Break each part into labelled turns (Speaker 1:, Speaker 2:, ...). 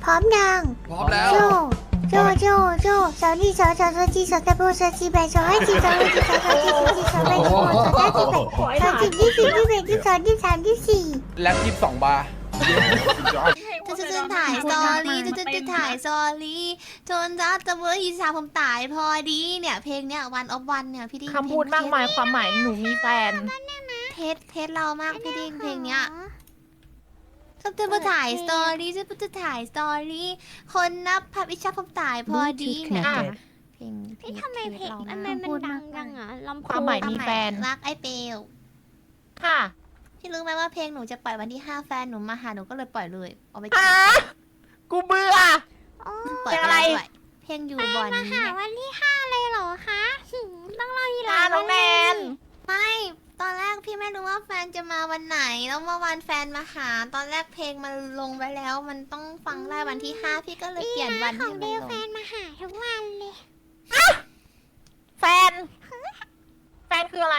Speaker 1: ร้อมยัง
Speaker 2: พร้อมแล้ว
Speaker 1: โจโจสาวนี่สาวจีสาวตะโบสาวจีแบสาวให้จีสาวให้จีสาวจีสาวจีสาวแบสาวสาวจีแบสาวจีที่4ที่5ที่6ที่7ที่8ที่9ที่30ที่31ที่32ที่34
Speaker 2: แล็บ22 บาร์
Speaker 3: จะถ่ายสตอรี่จะถ่ายสตอรี่จนรัจะเวอร์อีสาผมตายพอดีเนี่ยเพลงเนี่ยวันออฟวันเนี่ยพี่ดิ้ง
Speaker 4: คำพูดมากมายความหมายหนูมีแฟน
Speaker 3: เทสเรามากพี่ดิ้งเพลงเนี้ยจะมาถ่ายสตอรี่จะถ่ายสตอรี่คนนับพับอิชาผมตายพอดีเนี่ยเพลง
Speaker 1: ทำไมเพลง
Speaker 3: เรา
Speaker 1: มันดังจังอ่ะลำ
Speaker 4: ความหมายมีแฟน
Speaker 3: รักไอเปล
Speaker 4: ค่ะ
Speaker 3: พี่รู้ไหมว่าเพลงหนูจะปล่อยวันที่5แฟนหนูมาหาหนูก็เลยปล่อยเลยเอาไป
Speaker 4: อ่ะกูเบื่อ
Speaker 3: ปล่อย
Speaker 4: เพลงอะไร
Speaker 3: ด้วยเพลงอยู่บอล
Speaker 1: มาหาวันที่5เลยเหรอคะต้องรออีกหลาย
Speaker 4: น้องแนน
Speaker 3: ไม่ตอนแรกพี่ไม่รู้ว่าแฟนจะมาวันไหนแล้วเมื่อวานแฟนมาหาตอนแรกเพลงมันลงไว้แล้ว มันต้องฟังได้วันที่5พี่ก็เลยเปลี่ยนวัน
Speaker 1: ขอ
Speaker 3: ให้
Speaker 1: ง
Speaker 3: มัน
Speaker 1: เด
Speaker 3: ล
Speaker 1: ล
Speaker 3: ง
Speaker 1: แฟนมาหาทุกวันเลย
Speaker 4: แฟน แฟนคืออะไร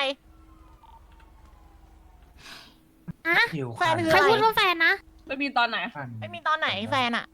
Speaker 4: แฟนคือ
Speaker 1: ใคร
Speaker 4: อะไร
Speaker 1: พูดว่าแฟนนะ
Speaker 5: ไม่มีตอนไหน
Speaker 4: ไม่มีตอนไหนแฟนอะ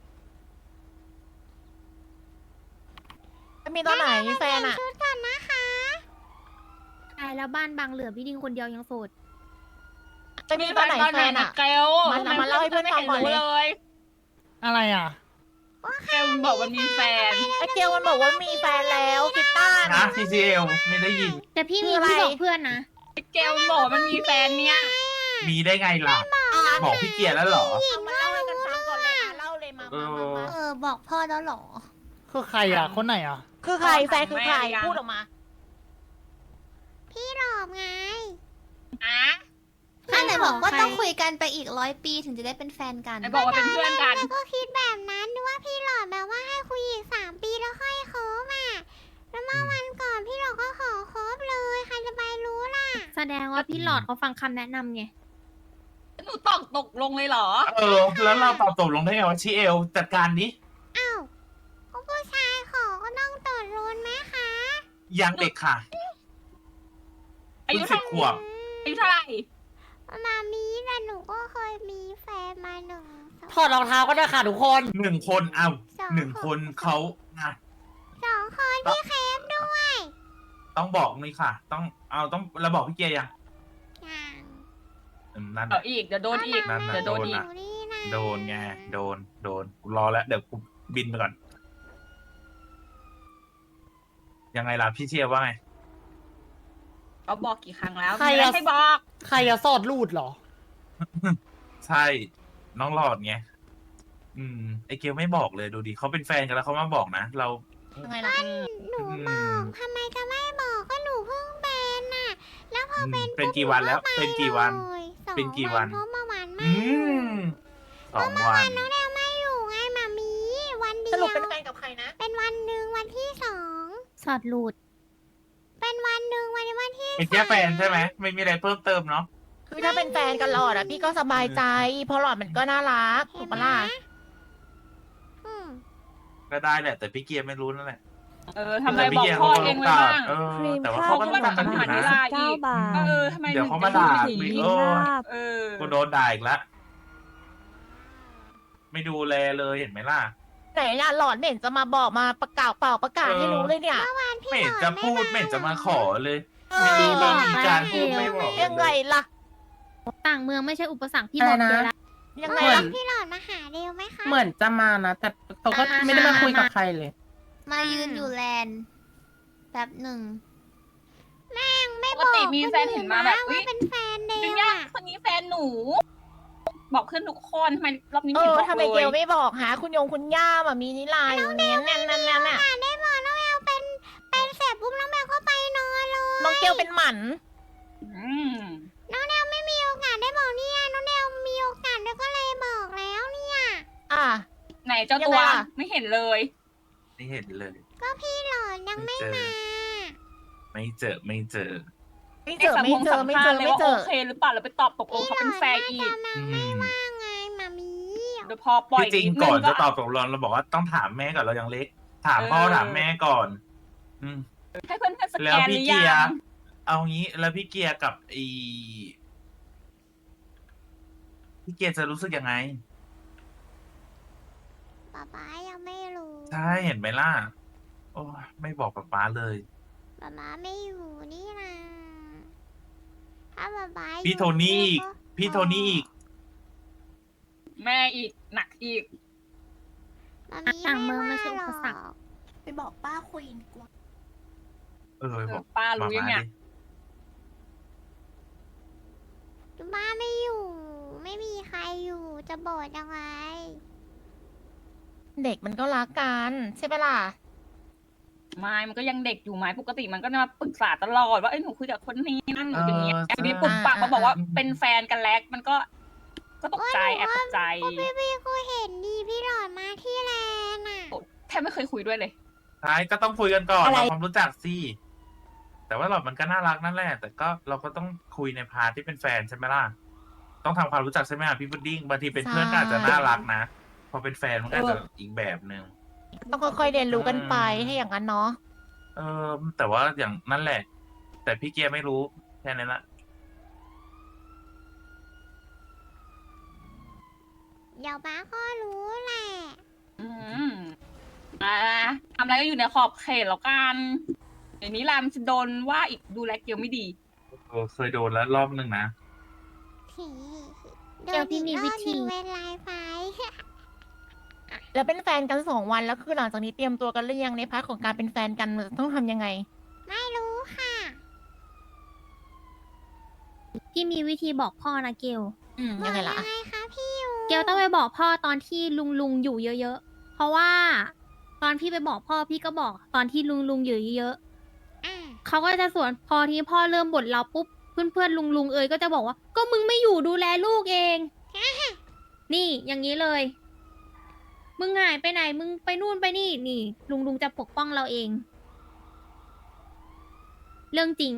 Speaker 4: ไม่มีตอนไหนแฟนอะ
Speaker 1: ชุดก่อนนะคะตายแล้วบ้านบางเหลือพี่ดิงคนเดียวยังโสด
Speaker 4: ไม่มีตอนไหนแฟนอะ
Speaker 5: เกล
Speaker 4: มาเล่าให้เพื่อนฟังก่อนเลย
Speaker 6: อะไรอ่ะ
Speaker 5: เกลบอกมันมีแฟน
Speaker 4: ไอเกลมันบอกว่ามีแฟนแล้วคิตต้า
Speaker 7: นะ TCL ไม่ได้ยิน
Speaker 1: แต่พี่มี
Speaker 4: คืออะไร
Speaker 1: พี่บอกเพื่อนนะ
Speaker 5: เกลบอกมันมีแฟนเนี่ย
Speaker 7: มีได้ไงล่ะ บอกพี่เกียร์แล้วเหรอ
Speaker 4: เอามาเล่าให้กันฟังก่อนเลยเล่าเลยมา
Speaker 3: บอกพ่อแล้วเหรอ
Speaker 6: คือใครอ่ะ คนไหนอ่ะ
Speaker 4: คือใครแฟนคือใครพูดออกมา
Speaker 1: พี่หลอบไง
Speaker 5: อ่ะ
Speaker 3: ถ้าไหนบอกว่าต้องคุยกันไปอีก100 ปีถึงจะได้เป็นแฟนกัน
Speaker 5: ไหนบอกว่าเป็นเพื่อนกัน
Speaker 1: แล้วก็คิดแบบนั้นนึกว่าพี่หลอดแบบว่าให้คุยอีก3 ปีแล้วค่อยคบอ่ะแล้วเมื่อวันก่อนพี่หลอดก็ขอคบเลยใครจะไปรู้ล่ะ แสดงว่าพี่หลอดเขาฟังคำแนะนำไง
Speaker 5: หนูตกลงเลยเหรอ
Speaker 7: แล้วเราตอบตกลงได้ไงว่าชิเอลจัดการนี้
Speaker 1: อ้าวก็ผู้ชายขอก็ต้องตดรุนไหมคะ
Speaker 7: ยังเด็กค่ะ
Speaker 5: อายุ
Speaker 7: เพิ่ง10 ขวบ
Speaker 5: อายุเท่าไหร่
Speaker 1: มามีแต่หนูก็เคยมีแฟนมาหนึ่ง
Speaker 6: ถอดรองเท้าก็ได้ค่ะทุกคน
Speaker 7: 1 คน1 คนเขาอ่ะ
Speaker 1: 2 คนพี่เคฟด้วย
Speaker 7: ต้องบอกนี่ค่ะ ต้องเราบอกพี่เกียร์ยัง
Speaker 1: อย่าง
Speaker 7: นั่น
Speaker 5: เอาอีก เดี๋ยวโดนอีก
Speaker 7: นั่น
Speaker 5: เดี๋ยวโดนอีก
Speaker 1: นี่นะ
Speaker 7: โดนไงโดนกูรอแล้วเดี๋ยวกูบินไปก่อน ยังไงล่ะพี่เชียร์ว่าไง
Speaker 5: เขาบอกกี่ครั้งแล้ว
Speaker 6: ใคร
Speaker 5: มีอะไร
Speaker 6: อะ
Speaker 5: ให้บอก
Speaker 6: ใครอะสอดรูดเหรอ
Speaker 7: ใช่น้องหลอดไงไอเกลไม่บอกเลยดูดิเขาเป็นแฟนกันแล้วเขามาบอกนะเรา
Speaker 4: ยังไงล่ะ
Speaker 1: หนูบอกทำไมจะไม่บอกก็หนูเพิ่งเป็นน่ะ แล้วพอเป็น
Speaker 7: เป็นกี่วันแล้ว เป็นกี่วัน
Speaker 1: สอง
Speaker 7: เป็นกี่วัน
Speaker 1: เพราะเมื่อวานไม่
Speaker 7: อืม2 วัน
Speaker 1: น้องแดวไม่อยู่ไงมามีวันเดี
Speaker 4: ส
Speaker 1: ยว
Speaker 4: รุปเป็นแฟนกับใครนะ
Speaker 1: เป็นวันหนึ่งวันที่2สอดหลุด เป็นวันหนึ่งวันที่
Speaker 7: เป็นแค่แฟนใช่ไหมไม่มีอะไรเพิ่มเติมเนาะ
Speaker 4: คือถ้าเป็นแฟนกันหลอดอะพี่ก็สบายใจ เพราะหลอดมันก็น่ารักถูกปะล่ะ
Speaker 1: อืม
Speaker 7: ก็ได้แหละ แต่พี่เกียร์ไม่รู้นั่นแหละ
Speaker 5: ทำไมบอกพ่อเองไว้บ้าง
Speaker 7: แต่ว่าเขาก็ต้องฟังกันอยู่นะ
Speaker 5: ทำไม
Speaker 7: เดี๋ยวเขามาด่า
Speaker 5: ถึง
Speaker 7: อีก
Speaker 5: เออ
Speaker 7: กูโดนด่าอีกแล้วไม่ดูแลเลยเห็นไหมล่ะ
Speaker 4: ไหนล่ะหลอดไม่เห็นจะมาบอกมาประกาศประกาศให้รู้เลยเนี่ย
Speaker 7: ไม่เห็นจะพูดไม่เห็นจะมาขอเลยไม่มีการพูดไม่บอก
Speaker 4: ยังไงล่ะ
Speaker 1: ต่างเมืองไม่ใช่อุปสรรคพี่บอกเลยละ
Speaker 4: ยังไง
Speaker 1: เหมือ
Speaker 4: ล่ะ
Speaker 1: นพี่หลอดมาหาเร็วไหมคะ
Speaker 6: เหมือนจะมานะ แต่เขาก็ไม่ได้มาคุยกับใครเลย
Speaker 3: มายืนอยู่แลนด์แป๊บหนึ่ง
Speaker 1: ไม่
Speaker 5: ป
Speaker 1: บ
Speaker 5: ก
Speaker 1: อก
Speaker 5: ติมีแฟนเห็นมาแบบ
Speaker 1: ว่าเป็นแฟนเด
Speaker 5: ดึ
Speaker 1: ว
Speaker 5: งยา
Speaker 1: อะ
Speaker 5: คนนี้แฟนหนู บอกเพื่อนทุกคนทำไมรอบนี้
Speaker 4: เอ
Speaker 5: ไม่เห็น
Speaker 4: อ
Speaker 5: บอก
Speaker 4: ทำไม
Speaker 5: เล
Speaker 4: เก
Speaker 5: ย
Speaker 4: ลไม่บอกหาคุณยงคุณย่ามามีนิลาอยู่เนี้ยนั่นน่ะ
Speaker 1: ได้บอกน้องแอลเป็นเสร็จปุ๊บน้องแมวก็ไปนอนเลย
Speaker 4: น้องเกลเป็นหมัน
Speaker 5: อืม
Speaker 1: น้องแนวไม่มีโอกาสได้บอกเนี่ยน้องแนวมีโอกาสแล้วก็เลยบอกแล้วเนี่ย
Speaker 4: อ่ะ
Speaker 5: ไหนเจ้าตัว
Speaker 4: ยังไงล่ะ
Speaker 5: ไม่เห็นเลย
Speaker 7: ไม่เห็นเลย
Speaker 1: ก็พี่หลอดยังไม่
Speaker 7: เจอ
Speaker 1: มา
Speaker 7: ไม่เจอ
Speaker 4: ไม่เจอ
Speaker 5: ไอ้
Speaker 4: ไม่
Speaker 5: สัง
Speaker 4: เจ
Speaker 5: ค
Speaker 4: อ
Speaker 5: มสัม
Speaker 4: ไม่
Speaker 5: ภา
Speaker 4: เจ
Speaker 5: ษ
Speaker 4: อ
Speaker 5: ณ์เลย
Speaker 4: ไม่
Speaker 5: ว่า
Speaker 4: เจ
Speaker 5: โอ
Speaker 4: อ
Speaker 5: เคหรือเปล่าแล้วไปตอบตกลงเขาเป็นแฟนอีก
Speaker 1: ว่าไงมามี
Speaker 5: เดี๋ยวพอปล่อย
Speaker 7: ที่จริง
Speaker 5: นิดนึ
Speaker 7: ก่อน
Speaker 5: ก็
Speaker 7: จะตอบตกลงเราบอกว่าต้องถามแม่ก่อนเรายังเล็ก ถามพ่อ
Speaker 5: เออ
Speaker 7: ถามแม่ก่อน
Speaker 5: ให้เพื่อนๆสแก
Speaker 7: แล้ว
Speaker 5: นห
Speaker 7: พี่
Speaker 5: รือ
Speaker 7: เกี
Speaker 5: ยั
Speaker 7: ยร์
Speaker 5: ง
Speaker 7: เอางี้แล้วพี่เกียร์กับพี่เกียร์จะรู้สึกยังไง
Speaker 1: ป๊ายังไม่รู้
Speaker 7: ใช่เห็นไหมล่ะ โอ้ยไม่บอกป๊าเลย
Speaker 1: ป๊าไม่อยู่นี่นะถ้าป๊าอยู่
Speaker 7: พี่โทนี่อีก พี่โทนี่อีก
Speaker 5: แม่อีกหนักอีก
Speaker 1: มามี
Speaker 2: ต่างเมื
Speaker 1: ไม่
Speaker 2: องไม่
Speaker 1: ว่า
Speaker 2: ใช่อุ
Speaker 1: หร
Speaker 2: ป
Speaker 1: อ
Speaker 2: สรรค
Speaker 1: ก
Speaker 3: ไปบอกป้าคุยดีกว่า
Speaker 7: บอก
Speaker 5: ป้ารู้ยังเนี่ย
Speaker 7: ดิ
Speaker 1: ป้าไม่อยู่ ไม่มีใครอยู่จะบอกยังไง
Speaker 4: เด็กมันก็รักกันใช่ไหมล่ะ
Speaker 5: ไม่มันก็ยังเด็กอยู่ไหมปกติมันก็จะมาปรึกษาตลอดว่าเอ้ยหนูคุยกับคนนี้นั่นหนูอย่างเงี้ยทีนี้ปุ๊บปากมาบอกว่าเป็นแฟนกันแล้วมันก็ตกใจแอบตกใจ
Speaker 1: พี่กูเห็นดีพี่หลอดมาที่แลนด์อ่ะ
Speaker 5: แทบไม่เคยคุยด้วยเลย
Speaker 7: ใช่ก็ต้องคุยกันก่อน
Speaker 3: อะไร
Speaker 7: เราความรู้จักสิแต่ว่าเรามันก็น่ารักนั่นแหละ แต่ก็เราก็ต้องคุยในพาร์ทที่เป็นแฟนใช่ไหมล่ะ ต้องทำความรู้จักใช่ไหมพี่พุดดิ้งบางทีเป็นเพื่อนก็อาจจะน่ารักนะ พอเป็นแฟนมันก็อาจจะอีกแบบหนึ่ง
Speaker 4: ต้องค่อยๆเรียนรู้กันไปให้อย่างนั้นเนาะ
Speaker 7: แต่ว่าอย่างนั่นแหละ แต่พี่เกียร์ไม่รู้แค่นั้นละ
Speaker 1: เดี๋ยวป้าก็รู้แหละ
Speaker 5: อืมทำอะไรก็อยู่ในขอบเขตแล้วกันเดี๋ยวนี้รามจะโดนว่าอีกดูแลเกียวไม่ดี
Speaker 7: เคยโดนแล้วรอบนึงนะ
Speaker 2: เดี๋ยวพี่มีวิธี
Speaker 1: เวนไลน์ไฟ
Speaker 4: แล้วเป็นแฟนกัน2 วันแล้วคือหลังจากนี้เตรียมตัวกันหรือยังในพาร์ทของการเป็นแฟนกันต้องทำยังไง
Speaker 1: ไม่รู้ค่ะ
Speaker 2: พี่มีวิธีบอกพ่อนะเกล
Speaker 4: ยังไงล่ะ
Speaker 1: บอกยังไงคะพี่ยู
Speaker 2: เกลต้องไปบอกพ่อตอนที่ลุงอยู่เยอะๆ เพราะว่าตอนพี่ไปบอกพ่อพี่ก็บอกตอนที่ลุงอยู่เยอะ
Speaker 1: อ่ะ
Speaker 2: ๆเขาก็จะสวนพอที่พ่อเริ่มบ่นเราปุ๊บเพื่อนๆลุงเอ๋ยก็จะบอกว่า ก็มึงไม่อยู่ดูแลลูกเอง นี่อย่างนี้เลย มึงหายไปไหนมึงไปนู่นไปนี่นี่ลุงจะปกป้องเราเอง เรื่องจริง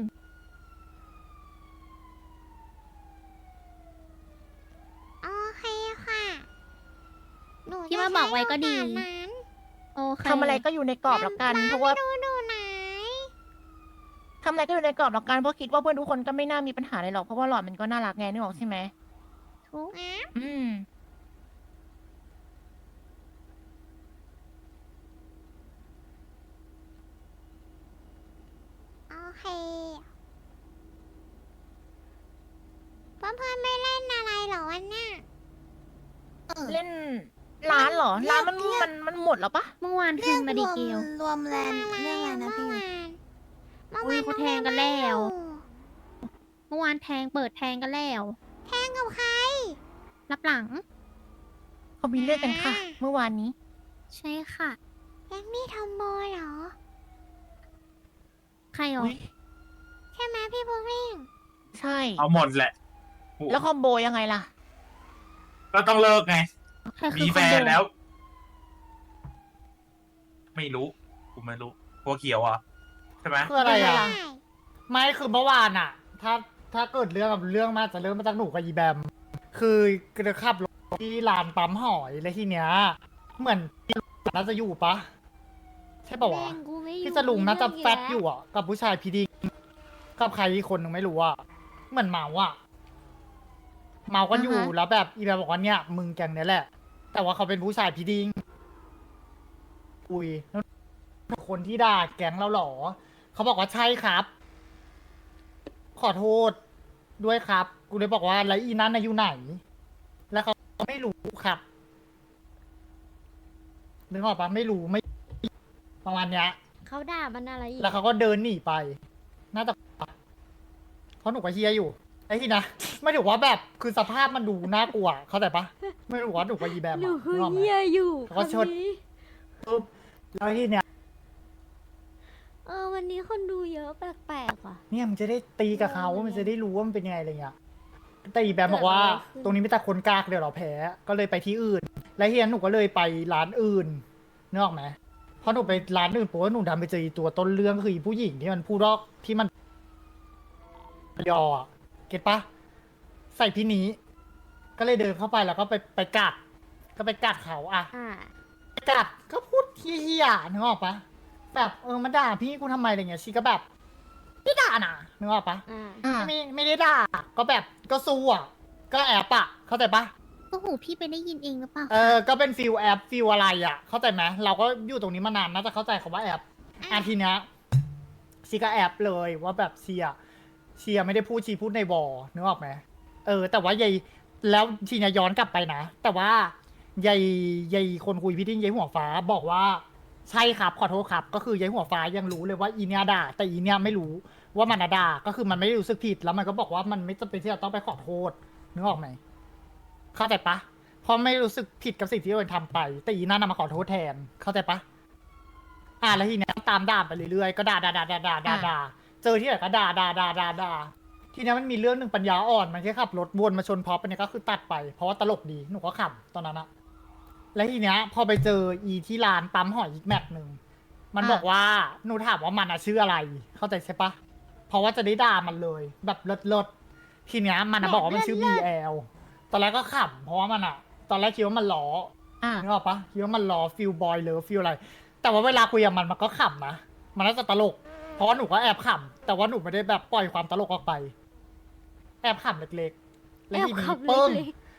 Speaker 1: โอเคค่ะหนู
Speaker 2: ที่ว่าบอกไว้ก็ดี
Speaker 1: จะใช้โอกาสนั้น
Speaker 2: โอเค
Speaker 4: ทำอะไรก็อยู่ในกรอบแล้วกัน เพราะว่า
Speaker 1: ดูดูไหน
Speaker 4: ทำอะไรก็อยู่ในกรอบแล้วกันเพราะคิดว่าเพื่อนทุกคนก็ไม่น่ามีปัญหาอะไรหรอกเพราะว่าหลอดมันก็น่ารักไงนึกออกใช่ไหม
Speaker 2: ทุก
Speaker 1: อ่ะ
Speaker 4: อืม
Speaker 1: โอเคเพื่อนๆไม่เล่นอะไรเหรอวันเนี้ย
Speaker 4: เล่นร้านเหรอร้านมันหมดแล้วปะ
Speaker 2: เมื่อวานคืนมาดีเกล
Speaker 3: รวมแลนด์เรื่องอะไรนะพี่ยู
Speaker 1: เมื่อ
Speaker 2: อุ๊
Speaker 1: วาย น
Speaker 2: เขาแทงกันแล้ว เมื่อวานเปิดแทงกันแล้ว
Speaker 1: แทงกับใคร
Speaker 2: รับหลัง
Speaker 4: เขามีเรื่องกันค่ะ เมื่อวานนี้
Speaker 2: ใช่ค่ะ
Speaker 1: แยังนี่ทอมโบเหรอ
Speaker 2: ใครหรอ
Speaker 4: อุ๊ย
Speaker 1: ใช่ไหมพี่บุ๊คลิง
Speaker 4: ใช่
Speaker 7: เอาหมดแหละ
Speaker 4: แล้วคอมโบยังไงล่ะ
Speaker 7: ก็ต้องเลิกไง
Speaker 2: ใครคื
Speaker 7: มี
Speaker 2: อ
Speaker 7: แฟ
Speaker 2: คน
Speaker 7: น
Speaker 2: โด
Speaker 7: แล้ว ไม่รู้กูไม่รู้หัวเขียวเหรอ่ะใช่ไหม
Speaker 6: คืออะไร
Speaker 4: ยังไง
Speaker 6: อ่ะ
Speaker 4: ล่ะ
Speaker 6: ไม่คือเมื่อวานอ่ะ ถ้าเกิดเรื่องมาจะเริ่มมาจากหนูกับอีแบม คือกระขับรถที่ลานปั๊มหอยแล้วทีเนี้ย เหมือนพี่น่าจะอยู่ปะใช่ปะวะ
Speaker 1: แม่งกูไม่อยู่
Speaker 6: พี่จะลุงน่าจะ
Speaker 1: มี
Speaker 6: แฟ
Speaker 1: เรื่
Speaker 6: ต
Speaker 1: ง
Speaker 6: อยู่อ่ะ กับผู้ชายพีดีกับใครอีกคนหนึ่งไม่รู้อ่ะ เหมือนเมาอ่ะ เมากันอยู่
Speaker 3: อ่าฮะ
Speaker 6: แล้วแบบอีแบมบอกว่าเนี่ยมึงแกงเนี้ยแหละ แต่ว่าเขาเป็นผู้ชายพีดีอุ้ยแล้วคนที่ด่าแก๊งเราเหรอ เขาบอกว่าใช่ครับ ขอโทษด้วยครับ กูเลยบอกว่าแล้วอีนั้นน่ะอยู่ไหน แล้วเขาไม่รู้ครับนึกออกปะไม่รู้ไม่ประมาณเนี้ย
Speaker 1: เขาด่ามันอะไรอีก
Speaker 6: แล้วเขาก็เดินหนีไป น่าจะเพราะหนูก็เฮียอยู่ ไอ้ที่นะ ไม่ถือว่าแบบคือสภาพมันดูน่ากลัว เข้าใจปะไม่รู้ว่าหนูกับยีแบมอะ
Speaker 1: หนูคือ
Speaker 6: นึกออกไหม
Speaker 1: เฮียอยู่
Speaker 6: เขาก็ชด
Speaker 1: คนนี้
Speaker 6: ปุ๊บแล้วที่เนี้ย
Speaker 1: วันนี้คนดูเยอะแปลกๆว่ะ
Speaker 6: เนี่ยมันจะได้ตีกับเขามันจะได้รู้ว่ามันเป็นยังไงอะไรเงี้ยแต่อีแบมบอกว่า
Speaker 1: เกิดอะไรขึ้น
Speaker 6: ตรงนี้ไม่แต่คนกากเดี๋ยวเราแพ้ ก็เลยไปที่อื่น และเฮียหนูก็เลยไปร้านอื่นนึกออกไหมเพราะหนูไปร้านอื่นเพราะว่าหนูดันไปเจออีตัวต้นเรื่องคืออีผู้หญิงที่มันพูดรอกที่มันยออะเก็ตปะใส่พี่นี้ ก็เลยเดินเข้าไปแล้วก็ไปกัด ก็ไปกัดเขาอะ
Speaker 1: อ่า
Speaker 6: กัดก็พูดเฮียๆนึกออกปะแบบมาด่าพี่กูทำไมอะไรเงี้ยชีก็แบบไม่ด่านะนึกออกปะ
Speaker 1: อ่า
Speaker 4: อ่า
Speaker 6: ไม่ได้ด่าก็แบบก็สู้อ่ะ ก็แอบอ่ะ เข้าใจปะ
Speaker 1: ก็หูพี่ไปได้ยินเองหรือเปล่า
Speaker 6: ก็เป็นฟิลแอปฟิลอะไรอ่ะ เข้าใจไหมเราก็อยู่ตรงนี้มานานน่าจะเข้าใจคำว่าแอปทีเนี้ยชีก็แอปเลยว่าแบบเชียไม่ได้พูดชีพูดในวอนึกออกไหมแต่ว่ายายแล้วทีเนี้ยย้อนกลับไปนะแต่ว่ายายคนคุยพี่ดิ้งยายหัวฟ้าบอกว่าใช่ครับขอโทษครับ ก็คือยายหัวฟ้ายังรู้เลยว่าอีเนี้ยด่าแต่อีเนี้ยไม่รู้ว่ามันด่าก็คือมันไม่ได้รู้สึกผิดแล้วมันก็บอกว่ามันไม่จำเป็นที่จะต้องไปขอโทษนึกออกไหมเข้าใจปะเพราะไม่รู้สึกผิดกับสิ่งที่ตัวเองทำไป แต่อีนั่นมาขอโทษแทนเข้าใจปะแล้วทีเนี้ยตามด่าไปเรื่อยๆก็ด่าเจอที่ไหนก็ด่าทีเนี้ยมันมีเรื่องหนึ่งปัญญาอ่อนมันแค่ขับรถวนมาชนพอปเนี่ยก็คือตัดไปเพราะว่าตลกดีหนูก็ขำตอนนั้นอะแล้วทีเนี้ยพอไปเจออีที่ร้านปั๊มหอยอีกแมปหนึ่งมันบอกว่าหนูถามว่ามันชื่ออะไรเข้าใจใช่ปะเพราะว่าจะได้ด่ามันเลยแบบเลิศทีเนี้ยมันบอกว่ามันชื่อ BL ตอนแรกก็ขำเพราะว่ามันตอนแรกคิดว่ามันล้อนึกออกปะคิดว่ามันล้อฟิลบอยเลยฟิลอะไรแต่ว่าเวลาคุยกับมันก็ขำนะมันน่าจะตลกเพราะว่าหนูก็แอบขำแต่ว่าหนูไม่ได้แบบปล่อยความตลกออกไปแอบขำเล็กๆแล้วทีนี้ปึ้ง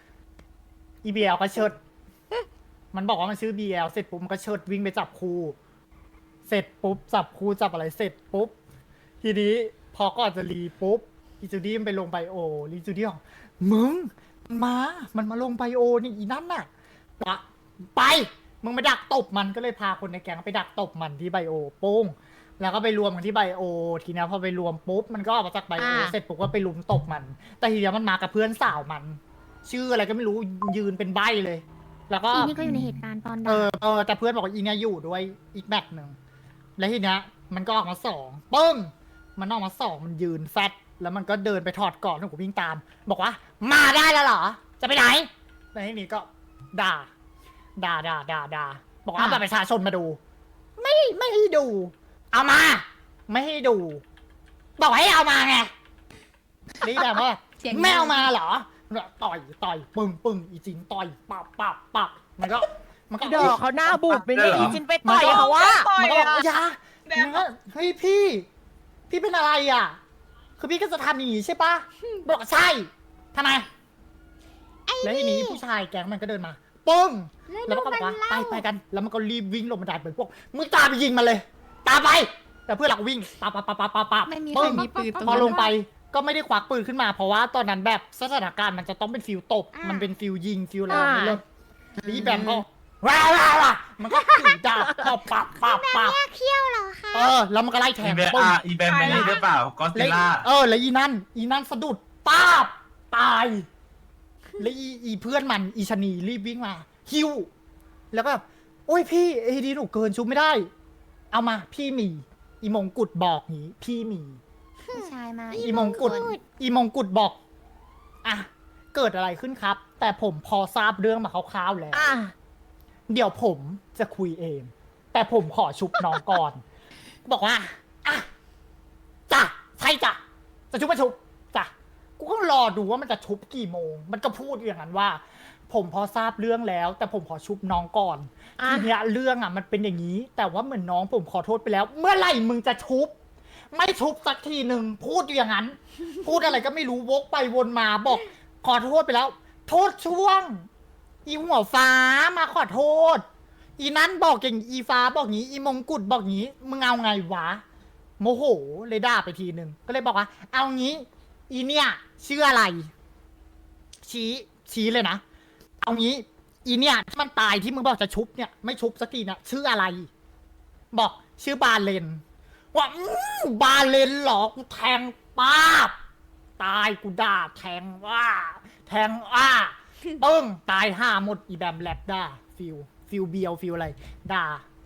Speaker 6: EBL ก็เชิดมันบอกว่ามันชื่อ BL เสร็จปุ๊บมันก็เชิดวิ่งไปจับครูเสร็จปุ๊บจับครูจับอะไรเสร็จปุ๊บทีนี้พอก่อนจะรีปุ๊บอีจูดี้มันไปลงไบโอรีจูดี้บอกมึงมันมาลงไบโอนี่อีนั่นน่ะไปมึงไปดักตบมันก็เลยพาคนในแก๊งไปดักตบมันที่ไบโอโป้งแล้วก็ไปรวมกันที่ไบโอทีนี้พอไปรวมปุ๊บมันก็ออกมาจากไบโอเสร็จปุ๊บก็ไปลุมตบมันแต่ทีนี้มันมากับเพื่อนสาวมันชื่ออะไรก็ไม่รู้ยืนเป็นใบ้เลยแล้วก็
Speaker 1: อีนี่ก็อยู่ในเหตุการณ์ตอนด่า
Speaker 6: แต่เพื่อนบอกว่าอีเนี่ยอยู่ด้วยอีกแมตช์หนึ่งแล้วทีเนี้ยมันก็ออกมา2ปึ้งมันออกมา2มันยืนแฟตแล้วมันก็เดินไปถอดก่อนแล้วผมวิ่งตามบอกว่ามาได้แล้วเหรอจะไปไหนแล้วทีนี้ก็ด่าบอกว่าบัตรประชาชนมาดู ไม่ให้ดู เอามา ไม่ให้ดู บอกให้เอามาไงนี่แบบว่าไม่เอามาเหรอต่อยปึ้งอีจินต่อยปับมันก็
Speaker 4: ดอกเขาหน้าบูดไปเลยอีจินไปต่อยเขาว่า
Speaker 6: มันก็บอกอย่าเฮ้ยพี่เป็นอะไรอ่ะคือพี่ก็จะทำอย่างนี้ใช่ปะบอกใช่ทำไมแล้วทีนี้ผู้ชายแก๊งมันก็เดินมาปึ้งแล้วมันก็บอกว่าไปกันแล้วมันก็รีบวิ่งลงบันไดเป็นพวกมึงตามไปยิงมันเลยตามไปแต่เพื่อนเราก็วิ่งปะ
Speaker 3: ไม่มีใครมีปืนตรง
Speaker 6: พอ
Speaker 3: นั้น
Speaker 6: ลงไปก็ไม่ได้ควักปืนขึ้นมาเพราะว่าตอนนั้นแบบสถานการณ์มันจะต้องเป็นฟิลตบมันเป็นฟิลยิงฟิลอะไรไม่เลิกรีแบมก็ว้าวมันก็ถือดาบเข้าปับ
Speaker 1: แยกเขี้ยวเหรอคะ
Speaker 6: แล้วมันก็ไล่แทง
Speaker 7: อีแบนไม่ได้หรือเปล่าก็ซิล่า
Speaker 6: แล้วอีนั่นสะดุดป้าบตายแล้วอีเพื่อนมันอีชนีรีบวิ่งมาฮิวแล้วก็แบบโอ้ยพี่ไอ้ดีหนูเกินชุบไม่ได้ เอามาพี่มีอีมงกุฎบอกนี้พี่มี
Speaker 3: ผู้ชายมา
Speaker 6: อีมงกุฎบอกอ่ะเกิดอะไรขึ้นครับ แต่ผมพอทราบเรื่องมาคร่าวๆแล้วเดี๋ยวผมจะคุยเอง แต่ผมขอชุบน้องก่อน บอกว่าอ่ะจ้ะใช่จ้ะจะชุบมาชุบจ้ะกูก็รอดูว่ามันจะชุบกี่โมง มันก็พูดอย่างนั้นว่า ผมพอทราบเรื่องแล้ว แต่ผมขอชุบน้องก่อนทีเนี้ยเรื่องมันเป็นอย่างนี้ แต่ว่าเหมือนน้องผมขอโทษไปแล้ว เมื่อไหร่มึงจะชุบไม่ชุบสักทีหนึ่งพูดอย่างนั้น พูดอะไรก็ไม่รู้วกไปวนมาบอก ขอโทษไปแล้ว โทษช่วง อีหัวฟ้ามาขอโทษ อีนั้นบอกอย่างอีฟ้าบอกงี้ อีมงกุฎบอกงี้มึงเอาไงวะโมโหเลยด่าไปทีหนึ่งก็เลยบอกว่า เอางี้ อีเนี่ยชื่ออะไร ชี้เลยนะเอางี้ อีเนี่ยที่มันตายที่มึงบอกจะชุบเนี่ยไม่ชุบสักทีนะชื่ออะไร บอกชื่อบาเลนว่าบาเลนเหรอกูแทงป้าบตายกูด่าแทงว่าปึ้งตายห้าหมดอีแบมแลบด่าฟิลเบียวฟิลอะไรด่า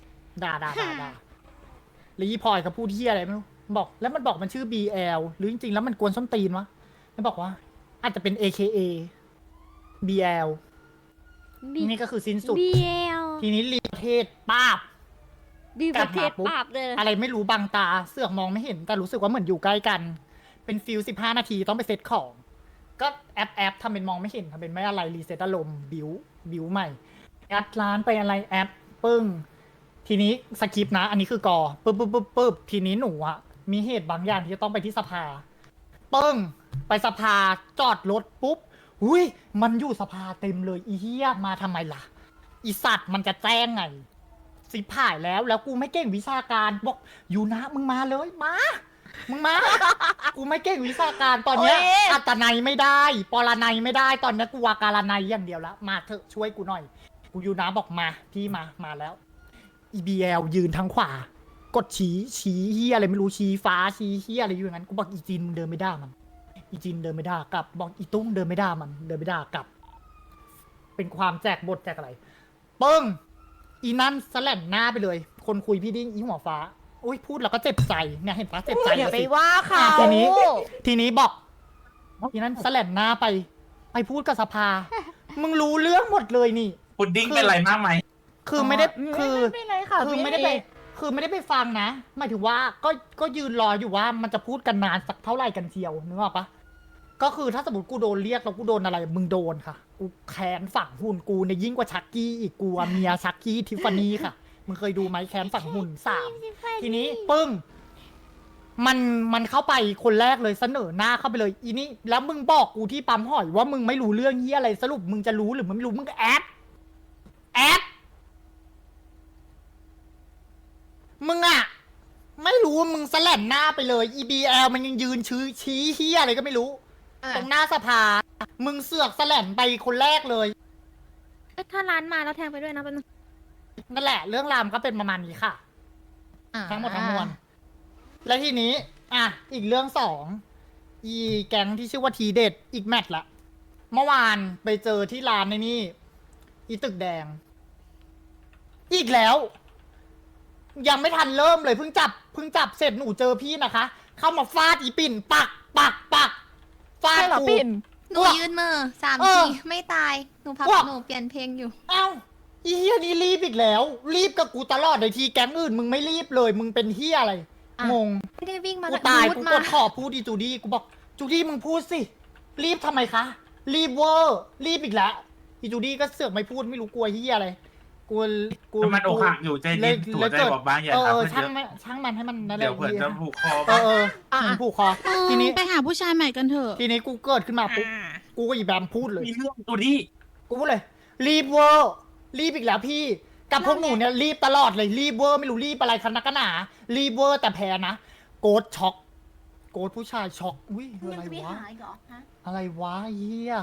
Speaker 6: แล้วอีพลอยเขาพูดเที่ยอะไรไม่รู้บอกแล้วมันบอกมันชื่อ BL หรือจริงๆแล้วมันกวนส้นตีนวะแล้วบอกว่าอาจจะเป็น AKA BL นี่ก็คือสิ้นสุด
Speaker 1: BL
Speaker 6: ทีนี้รีประเทศป้าบ
Speaker 1: บีประเทศปราบเลย
Speaker 6: อะไรไม่รู้บังตาเสือกมองไม่เห็นแต่รู้สึกว่าเหมือนอยู่ใกล้กัน เป็นฟิล15 นาทีต้องไปเซตของ ก็แอปทำเป็นมองไม่เห็นทำเป็นไม่อะไรรีเซ็ตอารมณ์บิวใหม่แอดร้านไปอะไรแอปปึ้งทีนี้สคริปต์นะ อันนี้คือกอปึ๊บทีนี้หนูอะมีเหตุบางอย่างที่จะต้องไปที่สภาปึ้งไปสภาจอดรถปุ๊บอุ้ยมันอยู่สภาเต็มเลยอีเหี้ยมาทำไมล่ะอีสัตว์มันจะแจ้งไงสิผ่ายแล้วกูไม่เก่งวิชาการบอกอยู่นะมึงมาเลยมึงมา กูไม่เก่งวิชาการตอนเนี้ย
Speaker 4: โอ้ย
Speaker 6: อัตนัยไม่ได้ปรนัยไม่ได้ตอนเนี้ยกูวาการนัยอย่างเดียวละมาเถอะช่วยกูหน่อย กูอยู่นะบอกมาพี่มาแล้ว EBL ยืนทางขวากดชี้เฮียอะไรไม่รู้ชี้ฟ้าชี้เฮียอะไรอยู่อย่างนั้นกูบอกอีจินเดินไม่ได้มันอีจินเดินไม่ได้กลับบอกอีตุ้งเดินไม่ได้มันเดินไม่ได้กลับ เป็นความแจกบทแจกอะไรปึ้งอีนั่นสแลนหน้าไปเลย คนคุยพี่ดิ้งอีหัวฟ้าอุ้ยพูดแล้วก็เจ็บใจเนี่ยเห็นปะเจ็บใจ
Speaker 4: อย่าไป
Speaker 6: สิ
Speaker 4: ว่าเขา
Speaker 6: ทีนี้บอกอีนั่นสแลนหน้าไปพูดกับสภา มึงรู้เรื่องหมดเลยนี่
Speaker 7: พุดดิ้งเป็นไรมากไหม
Speaker 6: คือไม่ได้คือ
Speaker 4: ไม่เป็นไรค่ะ
Speaker 6: คือไม่ได้ไปคือไม่ได้ไปฟังนะหมายถึงว่าก็ยืนรออยู่ว่ามันจะพูดกันนานสักเท่าไหร่กันเชียวนึกออกปะก็คือถ้าสมมติกูโดนเรียกแล้วกูโดนอะไรมึงโดนค่ะกูแค้นฝังหุ่นกูในยยิ่งกว่าชักกี้อีกกูอะเมียชักกี้ทิฟฟานี่ค่ะมึงเคยดูไหมแค้นฝังหุ่น3ทีนี้ปึ้งมันเข้าไปคนแรกเลยเสนอหน้าเข้าไปเลยอีนี่แล้วมึงบอกกูที่ปั๊มหอยว่ามึงไม่รู้เรื่องเฮียอะไรสรุปมึงจะรู้หรือมึงไม่รู้มึงก็แอดมึงอะไม่รู้มึงสแลนหน้าไปเลย EBL มันยังยืนชี้เฮียอะไรก็ไม่รู้ ตรงหน้าสภา มึงเสือกสแลนไปคนแรกเลย
Speaker 2: ถ้าร้านมาแล้วแทงไปด้วยนะเป็นง
Speaker 6: นั่นแหละ เรื่องรามก็เป็นประมาณนี้ค่ะ ทั้งหมดทั้งมวล และทีนี้ อีกเรื่อง2อีแก๊งที่ชื่อว่าทีเด็ดอีกแมตช์ละ เมื่อวานไปเจอที่ร้านในนี่ อีตึกแดง อีกแล้ว ยังไม่ทันเริ่มเลยเพิ่งจับเสร็จหนูเจอพี่นะคะ เข้ามาฟาดอีปิ่นปักฟาด
Speaker 4: ใช่เหรอ
Speaker 6: กู
Speaker 4: ปิ่น
Speaker 3: หนูยืนมือ3
Speaker 6: เออ
Speaker 3: ทีไม่ตายหนูพัก
Speaker 6: ว่า
Speaker 3: หนูเปลี่ยนเพลงอยู่
Speaker 6: เอ้าอีเฮียนี่รีบอีกแล้ว รีบกับกูตลอดเลยทีแก๊งอื่นมึงไม่รีบเลย มึงเป็นเฮียอะไร
Speaker 3: อ่ะ
Speaker 6: งง
Speaker 3: ไม่ได้วิ่งมา
Speaker 6: กูตาย
Speaker 3: รูด
Speaker 6: กู
Speaker 3: มาก
Speaker 6: ดขอพูดดีจูดี้กูบอกจูดี้มึงพูดสิรีบทำไมคะ รีบเวอร์รีบอีกแล้วอีจูดี้ก็เสือกไม่พูดไม่รู้กลัวเฮียอะไรกู
Speaker 7: มันอกหักอยู่ใจเย็นถั่วใจบอกบ้างอย่าทำเพื่อน
Speaker 6: ช่าง
Speaker 7: เยอะ
Speaker 6: มันช่างมันให้มันนั่นแหละ
Speaker 7: เดี๋ยวเผื่อจะผูกคอ
Speaker 6: เอ
Speaker 7: บ้าง
Speaker 6: อมันผูกคอทีนี้
Speaker 8: ไปหาผู้ชายใหม่กันเถอะ
Speaker 6: ทีนี้กูเกิดขึ้นมาปุ๊บกูก็อีแบมพูดเลย
Speaker 7: มีเรื่องตัวนี้
Speaker 6: กูพูดเลย รีบเวอร์รีบอีกแล้วพี่ กับพวกหนูเนี่ยรีบตลอดเลยรีบเวอร์ไม่รู้รีบอะไรคันนักกันหนารีบเวอร์แต่แพ้นะโกดช็อกโกดผู้ชายช็อกอุ้ยอะไรวะอะไรวะเฮีย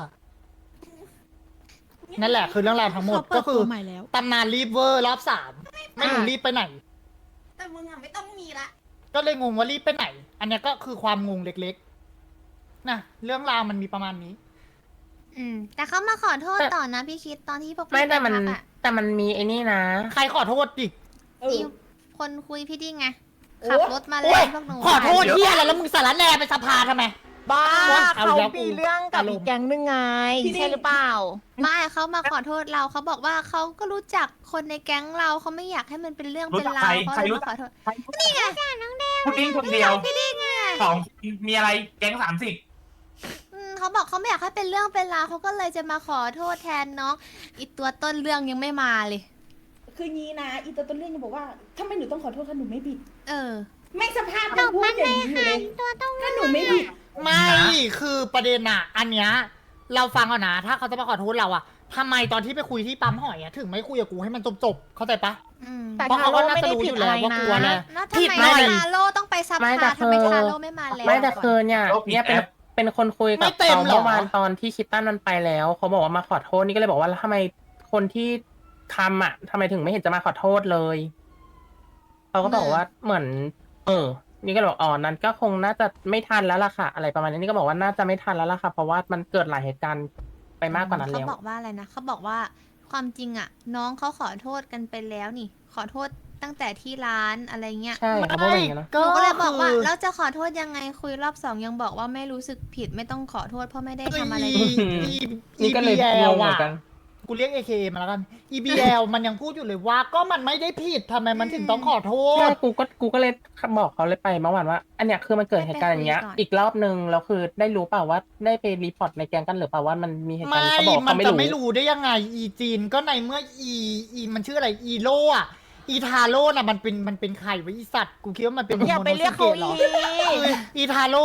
Speaker 6: นั่นแหละคือเรื่องราวทั้งหมด
Speaker 8: เขาเปิ
Speaker 6: ก็
Speaker 8: ด
Speaker 6: คือ
Speaker 8: ตัวใหม่แล้ว
Speaker 6: ตำนานรีบเวอร์รอบ3ไม่รู้รีบไปไหน
Speaker 3: แต่มึงอ่ะไม่ต้องมีละ
Speaker 6: ก็เลยงงว่ารีบไปไหน อันเนี้ยก็คือความงงเล็กๆนะเรื่องราวมันมีประมาณนี้
Speaker 3: แต่เขามาขอโทษต่อนะพี่คิดตอนที่พวกพี่
Speaker 9: ไม่แต่
Speaker 3: ไป
Speaker 9: มัน
Speaker 3: พักอ่ะ
Speaker 9: แต่มันมีไอ้นี่นะ
Speaker 6: ใครขอโทษดิ
Speaker 3: อีคนคุยพี่ดิ้งไงขับรถมา
Speaker 6: โอ้
Speaker 3: เล่
Speaker 6: ย
Speaker 3: นพวกหนู
Speaker 6: ขอโทษเฮียอะไรแล้วมึงสารแหน่ไปสภาทำไม
Speaker 4: บ้า
Speaker 6: เอา
Speaker 4: เขา
Speaker 6: แล้วกู
Speaker 4: มีเรื่องกับอีกแก๊งนึงไงใช่หรือเปล่า
Speaker 3: ไม่เขามาขอโทษเราเขาบอกว่าเขาก็รู้จักคนในแก๊งเราเขาไม่อยากให้มันเป็นเรื่อง
Speaker 7: รู้
Speaker 3: เป็น
Speaker 7: จัก
Speaker 3: รา
Speaker 7: ใคร
Speaker 3: วเขา
Speaker 7: ใคร
Speaker 3: เลย
Speaker 7: รู้
Speaker 3: มาข
Speaker 7: จั
Speaker 3: อก โทษ
Speaker 7: นี่ไงพุดดิ้งคนเดียว
Speaker 3: พี่ดิ้งไง
Speaker 7: 2มีอะไรแก๊ง30
Speaker 3: เขาบอกเขาไม่อยากให้เป็นเรื่องเป็นราวเขาก็เลยจะมาขอโทษแทนน้องอีตัวต้นเรื่องยังไม่มาเลย
Speaker 10: คืองี้นะอีตัวต้นเรื่องจะบอกว่าทำไมหนูต้องขอโทษคะหนูไม่ผิด
Speaker 3: อ
Speaker 10: ไม่สภาพมันพูดอย่างนี้อยู่เลย
Speaker 1: ตัวต้อง
Speaker 10: ถ้าหนูไม่ผิด
Speaker 6: ไม่คือประเด็นอะอันเนี้ยเราฟังก่อนนะถ้าเขาจะมาขอโทษเราอะทำไมตอนที่ไปคุยที่ปั๊มหอยอะถึงไม่คุยกับกูให้มันจบๆเข้าใจปะ
Speaker 4: แต่
Speaker 6: เพราะ
Speaker 4: ทา
Speaker 6: เขา
Speaker 4: โร่
Speaker 6: ก็น่า
Speaker 4: ไม่
Speaker 6: จะ
Speaker 4: ได้
Speaker 6: รู้
Speaker 4: ผิ
Speaker 6: อ
Speaker 4: ด
Speaker 6: ยู่
Speaker 4: อะ
Speaker 6: แล้ว
Speaker 4: ไร
Speaker 6: ว่า
Speaker 4: นะ
Speaker 6: กลัวแหละ
Speaker 3: แล้ว
Speaker 6: ผิ
Speaker 3: ทำ
Speaker 6: ด
Speaker 3: ไม
Speaker 6: หน่อย
Speaker 3: ทาโร่ต้องไปซับ
Speaker 9: ไม่
Speaker 3: พา
Speaker 9: แต่
Speaker 3: ทำไม
Speaker 9: คือ
Speaker 3: ทาโร่ไม่มาแล้ว
Speaker 9: ไม่แต่
Speaker 3: ก่อน
Speaker 9: คือเนี่ย
Speaker 7: โอ้ผิด
Speaker 9: เนี่ยเป็น
Speaker 7: แอป
Speaker 9: เป็นคนคุย
Speaker 6: ไม่
Speaker 9: กับ
Speaker 6: เต็ม
Speaker 9: เขา
Speaker 6: เหรอ
Speaker 9: เมื่อวานตอนที่คิตตันมันไปแล้วเขาบอกว่ามาขอโทษนี่ก็เลยบอกว่าแล้วทำไมคนที่ทำอ่ะทำไมถึงไม่เห็นจะมาขอโทษเลยเขาก็บอกว่าเหมือน นี่ก็เลยบอกอ๋อนั้นก็คงน่าจะไม่ทันแล้วล่ะค่ะ อะไรประมาณนี้นี่ก็บอกว่าน่าจะไม่ทันแล้วล่ะค่ะ เพราะว่ามันเกิดหลายเหตุการณ์ไปมากกว่านั้น
Speaker 3: เขา
Speaker 9: แล้ว
Speaker 3: บอกว่าอะไรนะเขาบอกว่าความจริงอ่ะ น้องเขาขอโทษกันไปแล้วนี่ ขอโทษตั้งแต่ที่ร้านอะไรเงี้ย
Speaker 9: ใช่เขาพูดอย่างนี้นะ
Speaker 3: หนูก็เลยบอกว่า
Speaker 6: คือ
Speaker 3: เราจะขอโทษยังไงคุยรอบ2ยังบอกว่าไม่รู้สึกผิดไม่ต้องขอโทษเพราะไม่ได้ทำอะไรเลย
Speaker 9: นี่ก็เลยงงเหมือนกัน
Speaker 6: กูเรียก AKA มาแล้วกัน EBL มันยังพูดอยู่เลยว่าก็มันไม่ได้ผิดทำไมมันถึงต้องขอโท
Speaker 9: ใช่
Speaker 6: ษ
Speaker 9: กูก็เลยบอกเขาเลยไปเมื่อวานว่า อันเนี้ยคือมันเกิดเหตุการณ์อย่างเงี้ย
Speaker 3: ให้ไปคุยก่อน
Speaker 9: อีกรอบนึงแล้วคือได้รู้เปล่าว่าได้ไปรีพอร์ตในแกงกันหรือเปล่าว่ามันมีเหตุการณ์
Speaker 6: ไม่
Speaker 9: เขาบอก
Speaker 6: มัน
Speaker 9: เขาไม่
Speaker 6: จะ
Speaker 9: รู้
Speaker 6: ไม่รู้ได้ยังไง อีจีนก็ในเมื่ออีมันชื่ออะไร อีโลอะอีทาโร่น่ะมันเป็นใครวะอีสัตว์ กูคิดว่ามันเป็น
Speaker 4: อย่าไปเรียกเขา
Speaker 6: โมโนส
Speaker 4: อี
Speaker 6: เกะเหรอ อีทาโร่อะ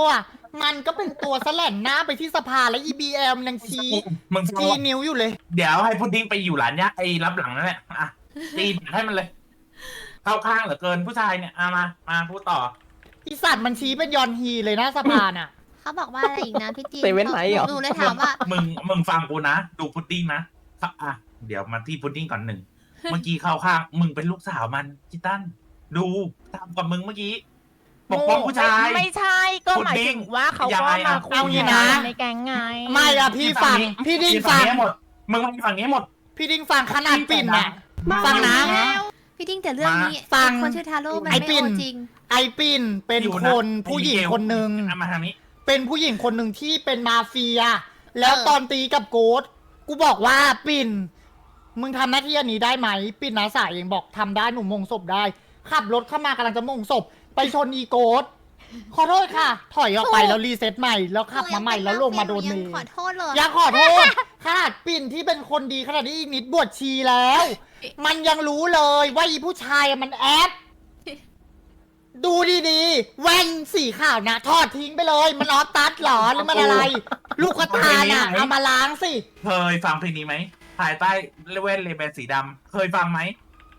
Speaker 6: มันก็เป็นตัวแสลนหน้าไปที่สภาและ EBL มันยังชี้
Speaker 7: มึงฟัง
Speaker 6: ชี้นิ้วอยู่เลย
Speaker 7: เดี๋ยวให้พุดดิ้งไปอยู่หลานเนี้ยไอ้รับหลังนั่นแหละอ่ะตีให้มันเลย เข้าข้างเหลือเกินผู้ชายเนี่ยมาพูดต่อ
Speaker 6: อีสัตว์มันชี้เป็นยอนฮีเลยนะสภาน่ะ
Speaker 3: เขาบอกว่าอะไรอีกนะพี่จีน
Speaker 9: เซเว่นไหนเหรอ
Speaker 3: หนูเลยถามว่า
Speaker 7: มึงฟังกูนะ ดูพุดดิ้งนะอ่ะเดี๋ยวมาที่พุดดิ้งก่อนหนึ่ง เมื่อกี้เข้าข้างมึงเป็นลูกสาวมันจิตันดูตามกับมึงเมื่อกี้ปกป้องผู้ชาย
Speaker 4: ไม่ใช่ก็หมายถึงว่าเขาก็มาคุ
Speaker 6: เอา
Speaker 4: ย
Speaker 6: งี้
Speaker 4: กั
Speaker 6: นะ
Speaker 4: นในแก๊งไง
Speaker 6: ไม่อะพี่ฟัง พี่ดิ้งฟัง
Speaker 7: หมดมึงมาฝั่งนี้หมด
Speaker 6: พี่ดิ้งฟังขนาดปิ่นน่ะ ฟังนะ
Speaker 3: พี่ดิ้งแต่เรื่องนี้
Speaker 6: ฟัง
Speaker 3: คนชื่อทาโร่มัน
Speaker 6: ไอ้
Speaker 3: ไม่
Speaker 6: ปิ่น
Speaker 3: โอจริง
Speaker 6: ไอปิ่นเป็นคนผู้หญิงคนหนึ่ง
Speaker 7: มาทางนี้
Speaker 6: เป็นผู้หญิงคนหนึ่งที่เป็นมาเฟีย แล้วตอนตีกับโกดกูบอกว่าปิ่น มึงทำหน้าที่อันนี้ได้ไหม ปิ่นนาสายเองบอกทำได้หนูมงศพได้ ขับรถเข้ามากำลังจะมงศพ ไปชนอีโกดขอโทษค่ะ ถอยออกไปแล้วรีเซ็ตใหม่ แล้วขับมาใหม่แล้วลงมาโดนเม
Speaker 3: ยัง
Speaker 6: ย์
Speaker 3: ขอโทษเลย
Speaker 6: อย่าขอโทษขนาดปิ่นที่เป็นคนดีขนาดนี้อีกนิดบวชชีแล้ว มันยังรู้เลยว่าอีผู้ชายอะมันแอป ดูดีๆ แว่นสีขาวนะทอดทิ้งไปเลย มันออฟตัดเหรอหรือมันอะไร ลูกกระตาน่ะเอามาล้างสิ
Speaker 7: เคยฟังเพลงนี้ไหมภายใต้เว่นเลเบนสีดำเคยฟังไหม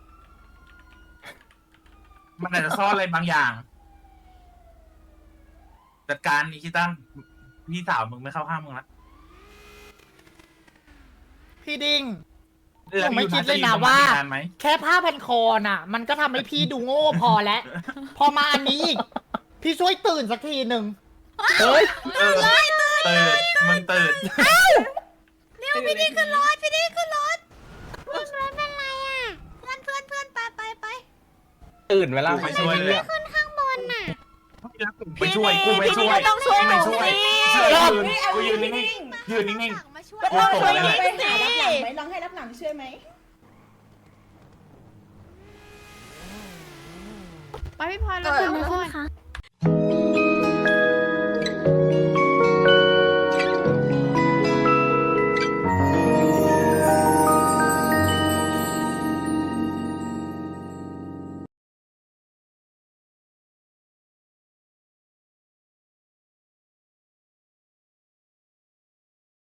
Speaker 7: มันอาจจะซ่อนอะไรบางอย่าง จัดการอีคิตันพี่สาวมึงไม่เข้าข้างมึงละ
Speaker 6: พี่ดิ้ง
Speaker 7: แล้ว
Speaker 6: ผมไม่
Speaker 7: อยู่
Speaker 6: คิดเลย
Speaker 7: จะ
Speaker 6: นะ
Speaker 7: อ
Speaker 6: ว่า
Speaker 7: ตรงนนไหม
Speaker 6: แค่ผ้าพันคอน่ะ มันก็ทำให้พี่ดูโง่พอแล้ว พอมาอันนี้อีก พี่ช่วยตื่นสักทีหนึ่ง
Speaker 9: เฮ้ย
Speaker 7: ตื่นมึงตื่น
Speaker 3: พี่ดิ้งขึ้นรถพี่ดิ้งขึ้นรถ
Speaker 1: รถเป็นไรอ่ะ
Speaker 3: เพื่อนไป
Speaker 9: ตื่นเวลา
Speaker 7: ไปช่วยเลย
Speaker 1: ขึ้นข้างบนน่ะ
Speaker 7: ไปช่วยกูไม่ช่วย
Speaker 4: พี่ต้องช่วยหนู
Speaker 7: ไม่ช่วย
Speaker 4: สิ
Speaker 7: ช่วย
Speaker 6: รอบ
Speaker 7: กูยืนนิ่งๆยืนนิ่ง
Speaker 3: มาช่วย
Speaker 4: ก็ต้องช่วย
Speaker 7: โอ้โห
Speaker 4: นิด
Speaker 10: ไป
Speaker 4: สิ
Speaker 10: หารับหลังไหมลองให้รับหลังช่วยไหม
Speaker 1: ไปพี่พลอยแล้วขึ้นค่ะ